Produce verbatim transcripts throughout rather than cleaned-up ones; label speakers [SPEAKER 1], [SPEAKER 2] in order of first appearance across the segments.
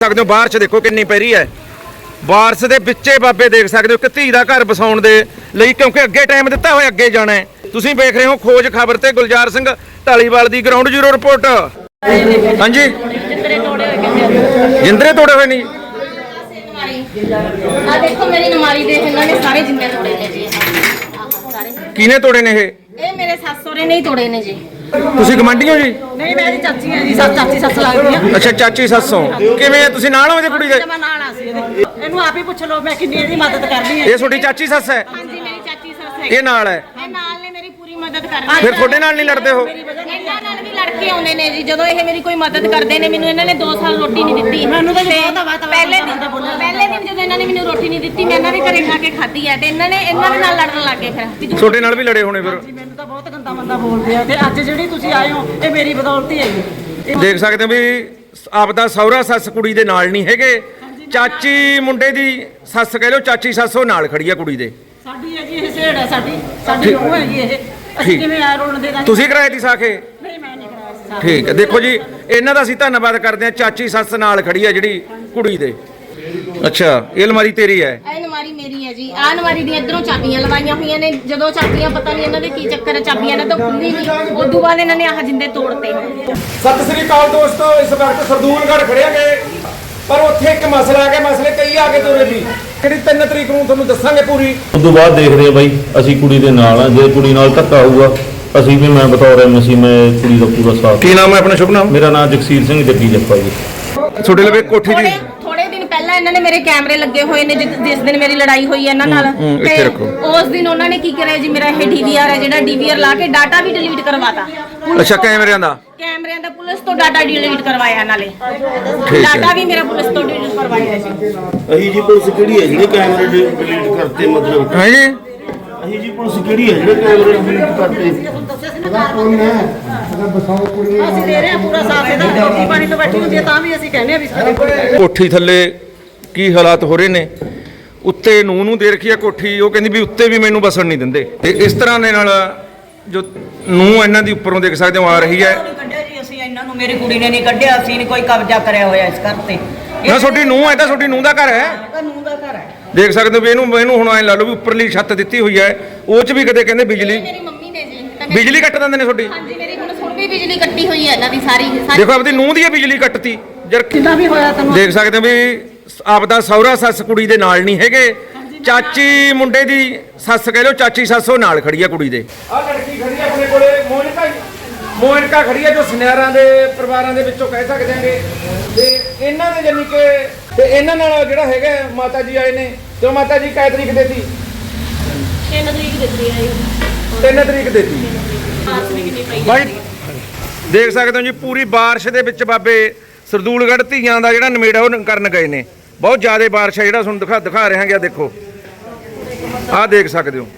[SPEAKER 1] ਸਕਦੇ ਹੋ ਬਾਰਿਸ਼ ਦੇਖੋ ਕਿੰਨੀ ਪੈ ਰਹੀ ਹੈ। ਬਾਰਿਸ਼ ਦੇ ਵਿੱਚੇ ਬਾਬੇ ਦੇਖ ਸਕਦੇ ਹੋ ਕਿ ਧੀ ਦਾ ਘਰ ਵਸਾਉਣ ਦੇ ਲਈ, ਕਿਉਂਕਿ ਅੱਗੇ ਟਾਈਮ ਦਿੱਤਾ ਹੋਇਆ, ਅੱਗੇ ਜਾਣਾ ਹੈ। ਤੁਸੀਂ ਵੇਖ ਰਹੇ ਹੋ ਖੋਜ ਖਬਰ ਤੇ ਗੁਲਜ਼ਾਰ ਸਿੰਘ ਢਾਲੀਵਾਲ ਦੀ ਗਰਾਊਂਡ ਜ਼ੀਰੋ ਰਿਪੋਰਟ। ਹਾਂਜੀ, ਜਿੰਦਰੇ ਤੋੜੇ ਹੋਏ ਨਹੀਂ।
[SPEAKER 2] ਆ ਦੇਖੋ ਮੇਰੀ ਨਮਾਰੀ ਦੇ ਇਹਨਾਂ ਨੇ ਸਾਰੇ ਜਿੰਦੇ ਤੋੜੇ ਨੇ ਜੀ। ਸਾਰੇ
[SPEAKER 1] ਕਿਹਨੇ ਤੋੜੇ ਨੇ ਇਹ?
[SPEAKER 2] ਇਹ ਮੇਰੇ ਸੱਸ ਸਹੁਰੇ ਨੇ ਹੀ ਤੋੜੇ ਨੇ ਜੀ।
[SPEAKER 1] ਤੁਸੀਂ ਗਵਾਂਢੀ ਹੋ ਜੀ?
[SPEAKER 2] ਨਹੀਂ, ਮੈਂ ਇਹਦੀ ਚਾਚੀ ਹਾਂ ਜੀ। ਸੱਸ ਚਾਚੀ ਸੱਸ ਲੱਗਦੀ ਆ।
[SPEAKER 1] ਅੱਛਾ, ਚਾਚੀ ਸੱਸ ਹੋ। ਕਿਵੇਂ ਤੁਸੀਂ ਨਾਲ ਹੋ ਇਹਦੇ ਕੁੜੀ ਦੇ?
[SPEAKER 2] ਮੈਂ ਨਾਲ ਆ ਸੀ ਇਹਦੇ। ਇਹਨੂੰ ਆਪ ਹੀ ਪੁੱਛ ਲਓ ਮੈਂ ਕਿੰਨੀ ਇਹਦੀ ਮਦਦ ਕਰਦੀ ਹਾਂ।
[SPEAKER 1] ਇਹ ਤੁਹਾਡੀ ਚਾਚੀ ਸੱਸ ਹੈ?
[SPEAKER 2] ਹਾਂਜੀ, ਮੇਰੀ ਚਾਚੀ ਸੱਸ ਹੈ।
[SPEAKER 1] ਇਹ ਨਾਲ ਹੈ?
[SPEAKER 2] ਇਹ ਨਾਲ ਨੇ, ਮੇਰੀ ਪੂਰੀ ਮਦਦ ਕਰਦੇ।
[SPEAKER 1] ਫਿਰ ਤੁਹਾਡੇ ਨਾਲ ਨਹੀਂ ਲੜਦੇ ਹੋ?
[SPEAKER 2] ਇਹਨਾਂ ਨਾਲ ਵੀ ਲੜ ਕੇ ਆਉਂਦੇ ਨੇ ਜੀ। ਜਦੋਂ ਇਹ ਮੇਰੀ ਕੋਈ ਮਦਦ ਕਰਦੇ ਨੇ, ਮੈਨੂੰ ਇਹਨਾਂ ਨੇ ਦੋ ਸਾਲ ਰੋਟੀ ਨਹੀਂ ਦਿੱਤੀ। ਮੈਨੂੰ ਤਾਂ ਪਹਿਲੇ ਦਿਨ ਪਹਿਲੇ ਦਿਨ ਜਦੋਂ ਇਹਨਾਂ ਨੇ ਮੈਨੂੰ ਰੋਟੀ ਨਹੀਂ ਦਿੱਤੀ, ਮੈਂ ਇਹਨਾਂ ਦੇ ਘਰੇ ਖਾ ਕੇ ਖਾਧੀ ਹੈ ਤੇ ਇਹਨਾਂ ਨੇ ਇਹਨਾਂ ਦੇ ਨਾਲ ਲੜਨ ਲੱਗ ਗਏ। ਫਿਰ
[SPEAKER 1] ਤੁਹਾਡੇ ਨਾਲ ਵੀ ਲੜੇ ਹੋਣੇ ਫਿਰ?
[SPEAKER 3] ਮੈਨੂੰ ਤਾਂ ਬਹੁਤ ਗੰਦਾ ਮੰਦਾ ਬੋਲਦੇ ਆ ਤੇ ਅੱਜ ਜਿਹੜੀ ਤੁਸੀਂ ਆਏ ਹੋ ਇਹ ਮੇਰੀ ਬਦੌਲਤ ਹੀ ਹੈ ਜੀ।
[SPEAKER 1] ਦੇਖ ਸਕਦੇ ਹੋ ਵੀ ਆਪਦਾ ਸਹੁਰਾ ਸੱਸ ਕੁੜੀ ਦੇ ਨਾਲ ਨਹੀਂ ਹੈਗੇ। ਚਾਚੀ ਮੁੰਡੇ ਦੀ ਸੱਸ ਕਹਿ ਲਓ, ਚਾਚੀ ਸੱਸ ਉਹ ਨਾਲ ਖੜੀ ਆ ਕੁੜੀ ਦੇ।
[SPEAKER 3] ਸਾਡੀ ਹੈ ਜੀ ਇਹ ਸੇੜ ਹੈ, ਸਾਡੀ ਸਾਡੀ ਉਹ ਹੈ ਜੀ ਇਹ। ਅਸੀਂ ਕਿਵੇਂ ਆ ਰੋਣ ਦੇ ਦਾਂਗੇ?
[SPEAKER 1] ਤੁਸੀਂ ਕਰਾਏ ਦੀ ਸਾਖੇ?
[SPEAKER 3] ਨਹੀਂ, ਮੈਂ ਨਹੀਂ ਕਰਾਇਆ।
[SPEAKER 1] ਠੀਕ ਹੈ, ਦੇਖੋ ਜੀ ਇਹਨਾਂ ਦਾ ਅਸੀਂ ਧੰਨਵਾਦ ਕਰਦੇ ਹਾਂ। ਚਾਚੀ ਸੱਸ ਨਾਲ ਖੜੀ ਹੈ ਜਿਹੜੀ ਕੁੜੀ ਦੇ। ਅੱਛਾ, ਇਹ ਅਲਮਾਰੀ ਤੇਰੀ ਹੈ?
[SPEAKER 2] ਇਹ ਅਲਮਾਰੀ ਮੇਰੀ ਹੈ ਜੀ। ਆਹ ਅਲਮਾਰੀ ਦੀਆਂ ਇਧਰੋਂ ਚਾਬੀਆਂ ਲਵਾਈਆਂ ਹੋਈਆਂ ਨੇ। ਜਦੋਂ ਚਾਬੀਆਂ ਪਤਾ ਨਹੀਂ ਇਹਨਾਂ ਦੇ ਕੀ ਚੱਕਰ ਹੈ, ਚਾਬੀਆਂ ਨੇ ਤਾਂ ਖੁੱਲੀ ਨਹੀਂ। ਉਦੋਂ ਬਾਅਦ ਇਹਨਾਂ ਨੇ ਆਹ ਜਿੰਦੇ ਤੋੜਤੇ।
[SPEAKER 1] ਸਤਿ ਸ੍ਰੀ ਅਕਾਲ ਦੋਸਤੋ, ਇਸ ਵਕਤ ਸਰਦੂਲਗੜ੍ਹ ਖੜੇ ਗਏ, ਪਰ ਉੱਥੇ ਇੱਕ ਮਸਲਾ ਆ ਗਿਆ। ਮਸਲੇ ਕਈ ਆ ਗਏ ਤੋਰੇ ਵੀ, ਜਿਹੜੀ ਤਿੰਨ ਤਰੀਕ ਨੂੰ ਤੁਹਾਨੂੰ ਦੱਸਾਂਗੇ ਪੂਰੀ।
[SPEAKER 4] ਉਸ ਤੋਂ ਬਾਅਦ ਦੇਖਦੇ ਆ ਬਾਈ, ਅਸੀਂ ਕੁੜੀ ਦੇ ਨਾਲ ਆ। ਜੇ ਕੁੜੀ ਨਾਲ ਧੱਕਾ ਹੋਊਗਾ ਅਸੀਂ ਵੀ, ਮੈਂ ਬਤੌਰ ਐਮ ਸੀ ਮੈਂ ਕੁੜੀ ਦਾ ਪੂਰਾ ਸਾਥ।
[SPEAKER 1] ਕੀ ਨਾਮ ਹੈ ਆਪਣਾ? ਸ਼ੁਭ ਨਾਮ?
[SPEAKER 4] ਮੇਰਾ ਨਾਮ ਜਗਸੀਰ ਸਿੰਘ ਜੱਗੀ ਜੱਪਾ ਜੀ।
[SPEAKER 1] ਤੁਹਾਡੇ ਲਵੇ ਕੋਠੀ ਦੀ
[SPEAKER 2] ਥੋੜੇ ਦਿਨ ਪਹਿਲਾਂ ਇਹਨਾਂ ਨੇ ਮੇਰੇ ਕੈਮਰੇ ਲੱਗੇ ਹੋਏ ਨੇ। ਜਿਸ ਜਿਸ ਦਿਨ ਮੇਰੀ ਲੜਾਈ ਹੋਈ ਹੈ ਇਹਨਾਂ ਨਾਲ,
[SPEAKER 1] ਇੱਥੇ ਰੱਖੋ।
[SPEAKER 2] ਉਸ ਦਿਨ ਉਹਨਾਂ ਨੇ ਕੀ ਕਰਿਆ ਜੀ, ਮੇਰਾ ਇਹ ਡੀਵੀਆਰ ਹੈ ਜਿਹੜਾ ਡੀਵੀਆਰ ਲਾ ਕੇ ਡਾਟਾ ਵੀ ਡਿਲੀਟ ਕਰਵਾਤਾ।
[SPEAKER 1] ਅੱਛਾ, ਕੈਮਰਿਆਂ ਦਾ?
[SPEAKER 2] ਕੈਮਰਿਆਂ ਦਾ ਪੁਲਿਸ ਤੋਂ ਡਾਟਾ ਡਿਲੀਟ ਕਰਵਾਇਆ ਨਾਲੇ।
[SPEAKER 1] ਹੈ।
[SPEAKER 2] ਡਾਟਾ ਵੀ ਮੇਰਾ ਪੁਲਿਸ ਤੋਂ ਡਿਲੀਟ ਕਰਵਾਇਆ ਜੀ।
[SPEAKER 5] ਅਹੀ ਜੀ ਪੁਲਿਸ ਕਿਹੜੀ ਹੈ ਜਿਹੜੇ ਕੈਮਰੇ ਡਿਲੀਟ ਕਰਤੇ? ਮਤਲਬ
[SPEAKER 1] ਹੈ ਜੀ,
[SPEAKER 5] ਅਹੀ ਜੀ ਪੁਲਿਸ ਕਿਹੜੀ ਹੈ ਜਿਹੜੇ ਕੈਮਰੇ ਡਿਲੀਟ ਕਰਤੇ?
[SPEAKER 3] ਅਸੀਂ ਦੇ ਰਹੇ ਹਾਂ ਪੂਰਾ ਸਾਥ ਇਹਦਾ। ਰੋਟੀ ਪਾਣੀ ਤੋਂ ਬੈਠੀ ਹੁੰਦੀ ਹੈ ਤਾਂ ਵੀ ਅਸੀਂ ਕਹਿੰਦੇ ਆ ਵੀ ਸਾਡੇ
[SPEAKER 1] ਕੋਠੀ ਥੱਲੇ ਕੀ ਹਾਲਾਤ ਹੋ ਰਹੇ ਨੇ। ਉੱਤੇ ਨੂੰ ਨੂੰ ਦੇ ਰੱਖੀ ਆ ਕੋਠੀ, ਉਹ ਕਹਿੰਦੀ ਵੀ ਉੱਤੇ ਵੀ ਮੈਨੂੰ ਬਸਣ ਨਹੀਂ ਦਿੰਦੇ। ਤੇ ਇਸ ਤਰ੍ਹਾਂ ਦੇ ਨਾਲ ਜੋ ਨੂੰ ਇਹਨਾਂ ਦੀ ਉੱਪਰੋਂ ਦੇਖ ਸਕਦੇ ਹੋ ਆ ਰਹੀ ਹੈ।
[SPEAKER 3] ਕੱਢਿਆ ਜੀ ਅਸੀਂ ਇਹਨਾਂ ਨੂੰ, ਮੇਰੀ ਕੁੜੀ ਨੇ ਨਹੀਂ ਕੱਢਿਆ। ਅਸੀਂ ਨਹੀਂ ਕੋਈ ਕਬਜ਼ਾ ਕਰਿਆ ਹੋਇਆ ਇਸ ਘਰ ਤੇ।
[SPEAKER 1] ਨਾ ਤੁਹਾਡੀ ਨੂੰ ਹੈ ਤਾਂ ਤੁਹਾਡੀ ਨੂੰ ਦਾ ਘਰ ਹੈ।
[SPEAKER 3] ਕਾਨੂੰਨ ਦਾ ਘਰ ਹੈ।
[SPEAKER 1] ਦੇਖ ਸਕਦੇ ਹੋ ਵੀ ਇਹਨੂੰ ਇਹਨੂੰ ਹੁਣ ਐ ਲਾ ਲਓ ਵੀ ਉੱਪਰਲੀ ਛੱਤ ਦਿੱਤੀ ਹੋਈ ਹੈ, ਉਹ 'ਚ ਵੀ ਕਦੇ ਕਹਿੰਦੇ ਬਿਜਲੀ
[SPEAKER 2] ਮੇਰੀ ਮੰਮੀ ਨੇ ਜੀ ਤਾਂ ਮੇਰੀ-
[SPEAKER 1] ਬਿਜਲੀ ਕੱਟ ਦਿੰਦੇ ਨੇ ਤੁਹਾਡੀ।
[SPEAKER 2] ਹਾਂਜੀ, ਮੇਰੀ ਹੁਣ ਹੁਣ ਵੀ ਬਿਜਲੀ ਕੱਟੀ ਹੋਈ ਹੈ ਇਹਨਾਂ ਦੀ ਸਾਰੀ ਸਾਰੀ।
[SPEAKER 1] ਦੇਖੋ ਆਪਦੀ ਨੂੰ ਦੀ ਬਿਜਲੀ ਕੱਟਤੀ ਜਰ।
[SPEAKER 3] ਕਿੰਨਾ ਵੀ ਹੋਇਆ ਤੈਨੂੰ
[SPEAKER 1] ਦੇਖ ਸਕਦੇ ਹੋ ਵੀ ਆਪਦਾ ਸਹੁਰਾ ਸੱਸ ਕੁੜੀ ਦੇ ਨਾਲ ਨਹੀਂ ਹੈਗੇ। ਚਾਚੀ ਮੁੰਡੇ ਦੀ ਸੱਸ ਕਹਿ ਲਓ, ਚਾਚੀ ਸੱਸ ਉਹ ਨਾਲ ਖੜੀ ਆ ਕੁੜੀ ਦੇ। ਆਹ ਲੜਕੀ ਖੜੀ ਆ ਆਪਣੇ ਕੋਲੇ, ਮੋਨਿਕਾ ਮੋਨਿਕਾ ਖੜੀ ਆ, ਜੋ ਸੁਨਿਆਰਾਂ ਦੇ ਪਰਿਵਾਰਾਂ ਦੇ ਵਿੱਚੋਂ ਕਹਿ ਸਕਦੇ ਆਂਗੇ। ਤੇ ਇਹਨਾਂ ਦੇ ਜਾਨੀ ਕਿ ਤੇ ਇਹਨਾਂ ਨਾਲ ਜਿਹੜਾ ਹੈਗਾ ਮਾਤਾ ਜੀ ਆਏ ਨੇ। ਤੇ ਉਹ ਮਾਤਾ ਜੀ ਕੈ ਤਰੀਕ ਦੇਤੀ?
[SPEAKER 2] ਤਿੰਨ ਤਰੀਕ ਦਿੱਤੀ ਹੈ ਜੀ।
[SPEAKER 1] ਤਿੰਨ ਤਰੀਕ ਦੇਤੀ।
[SPEAKER 2] ਮਾਰਚ ਵੀ ਕਿੰਨੀ ਪਈ
[SPEAKER 1] ਬਾਈ ਦੇਖ ਸਕਦੇ ਹੋ ਜੀ, ਪੂਰੀ ਬਾਰਿਸ਼ ਦੇ ਵਿੱਚ ਬਾਬੇ ਸਰਦੂਲਗੜ੍ਹ ਧੀਆਂ ਦਾ ਜਿਹੜਾ ਨਵੇੜਾ ਉਹ ਕਰਨ ਗਏ ਨੇ। ਬਹੁਤ ਜ਼ਿਆਦਾ ਬਾਰਿਸ਼ ਹੈ, ਜਿਹੜਾ ਤੁਹਾਨੂੰ ਦਿਖਾ ਦਿਖਾ ਰਹੇ ਹਾਂ। ਦੇਖੋ, ਆਹ ਦੇਖ ਸਕਦੇ ਹੋ।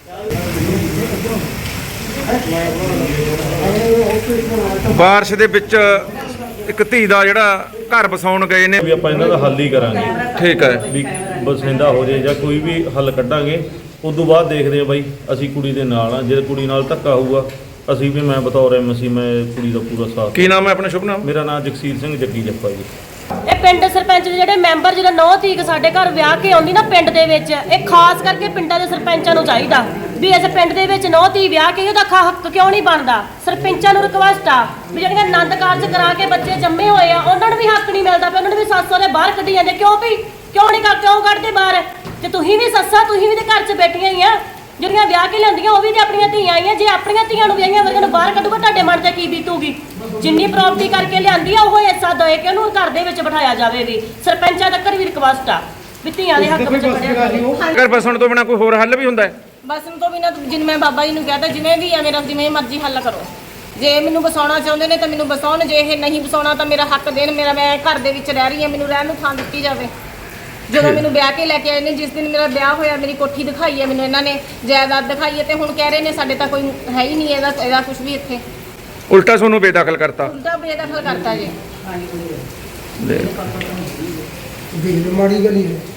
[SPEAKER 1] ਬਾਰਿਸ਼ ਦੇ ਵਿੱਚ ਇੱਕ ਧੀ ਦਾ ਜਿਹੜਾ ਘਰ ਵਸਾਉਣ ਗਏ ਨੇ।
[SPEAKER 4] ਵੀ ਆਪਾਂ ਇਹਨਾਂ ਦਾ ਹੱਲ ਹੀ ਕਰਾਂਗੇ।
[SPEAKER 1] ਠੀਕ ਹੈ,
[SPEAKER 4] ਵੀ ਬਸਿੰਦਾ ਹੋ ਜੇ ਜਾਂ ਕੋਈ ਵੀ ਹੱਲ ਕੱਢਾਂਗੇ। ਉਸ ਤੋਂ ਬਾਅਦ ਦੇਖਦੇ ਆ ਬਾਈ, ਅਸੀਂ ਕੁੜੀ ਦੇ ਨਾਲ ਆ। ਜੇ ਕੁੜੀ ਨਾਲ ਧੱਕਾ ਹੋਊਗਾ ਅਸੀਂ ਵੀ, ਮੈਂ ਬਤੌਰ ਐਮ ਸੀ ਮੈਂ ਕੁੜੀ ਦਾ ਪੂਰਾ ਸਾਥ।
[SPEAKER 1] ਕੀ ਨਾਮ ਹੈ ਆਪਣਾ? ਸ਼ੁਭ ਨਾਮ?
[SPEAKER 4] ਮੇਰਾ ਨਾਮ ਜਗਸੀਰ ਸਿੰਘ ਜੱਗੀ ਜੱਪਾ ਜੀ।
[SPEAKER 6] ਇਹ ਪਿੰਡ ਸਰਪੰਚ ਦੇ ਜਿਹੜੇ ਮੈਂਬਰ ਜਿਹੜਾ ਨੌ ਤੀਕ ਸਾਡੇ ਘਰ ਵਿਆਹ ਕੇ ਆਉਂਦੀ ਨਾ ਪਿੰਡ ਦੇ ਵਿੱਚ, ਇਹ ਖਾਸ ਕਰਕੇ ਪਿੰਡਾਂ ਦੇ ਸਰਪੰਚਾਂ ਨੂੰ ਚਾਹੀਦਾ ਵੀ ਇਸ ਪਿੰਡ ਦੇ ਵਿੱਚ ਨੌ ਧੀ ਵਿਆਹ ਕੇ ਉਹਦਾ ਹੱਕ ਕਿਉਂ ਨਹੀਂ ਬਣਦਾ। ਸਰਪੰਚਾਂ ਨੂੰ ਰਿਕਵੈਸਟ ਆ ਵੀ ਜਿਹੜੀਆਂ ਆਨੰਦ ਕਾਰਜ ਕਰਾ ਕੇ ਬੱਚੇ ਜੰਮੇ ਹੋਏ ਆ ਉਹਨਾਂ ਨੂੰ ਵੀ ਹੱਕ ਨਹੀਂ ਮਿਲਦਾ ਪਿਆ। ਉਹਨਾਂ ਨੂੰ ਵੀ ਸੱਸ ਸਹੁਰੇ ਬਾਹਰ ਕੱਢੀ ਜਾਂਦੇ। ਕਿਉਂ ਵੀ ਕਿਉਂ ਨਹੀਂ ਕਰ ਕਿਉਂ ਕੱਢਦੇ ਬਾਹਰ? ਤੇ ਤੁਸੀਂ ਵੀ ਸੱਸਾਂ, ਤੁਸੀਂ ਵੀ ਤੇ ਘਰ 'ਚ ਬੈਠੀਆਂ ਹੀ ਆ। ਜਿਹੜੀਆਂ ਵਿਆਹ ਕੇ ਲਿਆਂਦੀਆਂ ਉਹ ਵੀ ਤੇ ਆਪਣੀਆਂ ਧੀਆਂ ਆਈਆਂ। ਜੇ ਆਪਣੀਆਂ ਧੀਆਂ ਨੂੰ ਵਿਆਹੀਆਂ ਵਰਗਾਂ ਨੂੰ ਬਾਹਰ ਕੱਢੂਗਾ ਤੁਹਾਡੇ ਮਨ 'ਤੇ ਕੀ ਬੀਤੂਗੀ? ਜਿੰਨੀ ਪ੍ਰਾਪਰਟੀ ਕਰਕੇ ਲਿਆਂਦੀ ਆ ਉਹ ਹਿੱਸਾ ਦੇ ਕੇ ਉਹਨੂੰ ਘਰ ਦੇ ਵਿੱਚ ਬਿਠਾਇਆ ਜਾਵੇ। ਵੀ ਸਰਪੰਚਾਂ ਤੱਕ ਵੀ ਰਿਕਵੈਸਟ ਆ ਵੀ ਧੀਆਂ ਦੇ ਹੱਕ ਵਿੱਚ ਖੜਿਆ ਜਾਵੇ।
[SPEAKER 1] ਘਰ ਵਸਾਉਣ ਤੋਂ ਬਿਨਾਂ ਕੋਈ ਹੋਰ ਹੱਲ ਵੀ ਹੁੰਦਾ ਹੈ?
[SPEAKER 2] ਬਸਣ ਤੋਂ ਬਿਨਾਂ ਜਿਵੇਂ ਮੈਂ ਬਾਬਾ ਜੀ ਨੂੰ ਕਹਤਾ, ਜਿਵੇਂ ਵੀ ਆ ਮੇਰਾ ਜਿਵੇਂ ਮਰਜ਼ੀ ਹੱਲ ਕਰੋ। ਜੇ ਮੈਨੂੰ ਬਸਾਉਣਾ ਚਾਹੁੰਦੇ ਨੇ ਤਾਂ ਮੈਨੂੰ ਬਸਾਉਣ, ਜੇ ਇਹ ਨਹੀਂ ਬਸਾਉਣਾ ਤਾਂ ਮੇਰਾ ਹੱਕ ਦੇਣ। ਮੇਰਾ ਮੈਂ ਘਰ ਦੇ ਵਿੱਚ ਰਹਿ ਰਹੀ ਹਾਂ, ਮੈਨੂੰ ਰਹਿਣ ਨੂੰ ਥਾਂ ਦਿੱਤੀ ਜਾਵੇ। ਜਦੋਂ ਮੈਨੂੰ ਵਿਆਹ ਕੇ ਲੈ ਕੇ ਆਏ ਨੇ, ਜਿਸ ਦਿਨ ਮੇਰਾ ਵਿਆਹ ਹੋਇਆ ਮੇਰੀ ਕੋਠੀ ਦਿਖਾਈ ਹੈ ਮੈਨੂੰ ਇਹਨਾਂ ਨੇ, ਜਾਇਦਾਦ ਦਿਖਾਈ ਹੈ। ਤੇ ਹੁਣ ਕਹਿ ਰਹੇ ਨੇ ਸਾਡੇ ਤਾਂ ਕੋਈ ਹੈ ਹੀ ਨਹੀਂ ਇਹਦਾ ਇਹਦਾ ਕੁਝ ਵੀ ਇੱਥੇ।
[SPEAKER 1] ਉਲਟਾ ਤੁਹਾਨੂੰ ਬੇਦਖਲ ਕਰਤਾ।
[SPEAKER 2] ਉਲਟਾ ਬੇਦਖਲ ਕਰਤਾ ਜੀ।
[SPEAKER 1] ਦੇ
[SPEAKER 7] ਮਾੜੀ ਗਲੀ